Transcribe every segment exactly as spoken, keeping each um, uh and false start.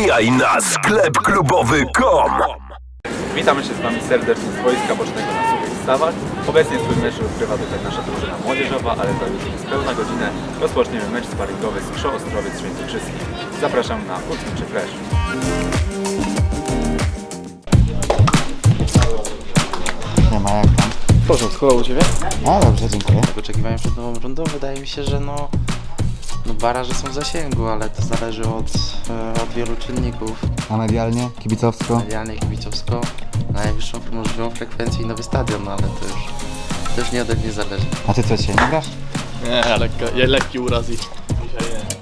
Wbijaj na sklep klubowy kropka com. Witamy się z Wami serdecznie z boiska bocznego na Suchych Stawach. Obecnie swój mecz rozgrywa tutaj nasza drużyna młodzieżowa, ale za już niespełna godzinę rozpoczniemy mecz sparingowy z Krzo Ostrowiec Świętokrzyski. Zapraszam na Hutniczy Flash. Nie ma jak tam. W porządku, a u Ciebie? A dobrze, dziękuję. Oczekiwania przed nową rundą wydaje mi się, że no, no baraże są w zasięgu, ale to zależy od, e, od wielu czynników. A medialnie, kibicowsko? Medialnie, kibicowsko, najwyższą możliwą frekwencję i nowy stadion, no ale to już, to już nie ode mnie zależy. A ty co dzisiaj nie grasz? Nie, lekko, je, lekki uraz i dzisiaj nie.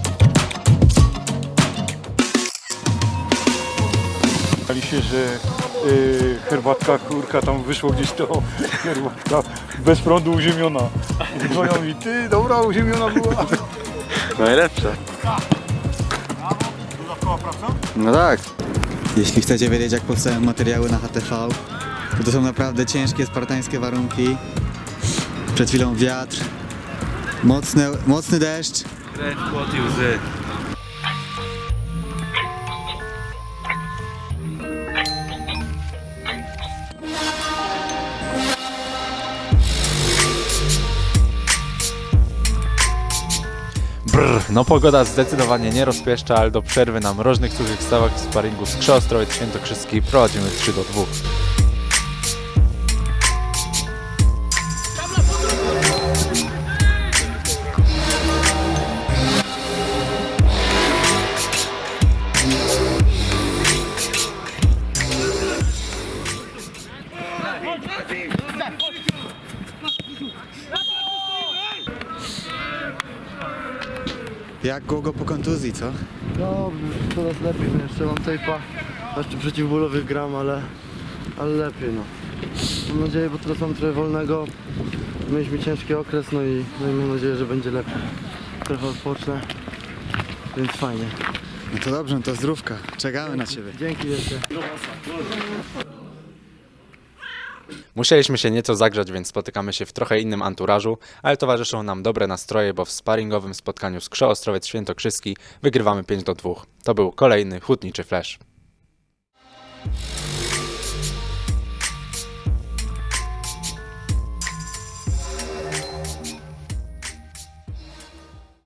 Bali się, że y, herbatka, kurka, tam wyszło gdzieś to, herbatka bez prądu uziemiona. Dzwonią mi, ty, dobra, uziemiona była. Najlepsze. No tak. Jeśli chcecie wiedzieć, jak powstają materiały na H T V, to to są naprawdę ciężkie, spartańskie warunki. Przed chwilą wiatr, mocny, mocny deszcz. Krew, płot i łzy. Brr, no pogoda zdecydowanie nie rozpieszcza, ale do przerwy na mroźnych Suchych Stawach w sparingu z Krzo Ostrowiec Świętokrzyski prowadzimy trzy do dwóch. Jak długo po kontuzji, co? No, coraz lepiej, no jeszcze mam tejpa, jeszcze przeciwbólowych gram, ale, ale lepiej, no. Mam nadzieję, bo teraz mam trochę wolnego, mieliśmy ciężki okres, no i, no i mam nadzieję, że będzie lepiej. Trochę odpocznę, więc fajnie. No to dobrze, no to zdrówka. Czekamy na ciebie. Dzięki jeszcze. Musieliśmy się nieco zagrzać, więc spotykamy się w trochę innym anturażu, ale towarzyszą nam dobre nastroje, bo w sparingowym spotkaniu z Krzo Ostrowiec Świętokrzyski wygrywamy pięć do dwóch. To był kolejny Hutniczy Flash.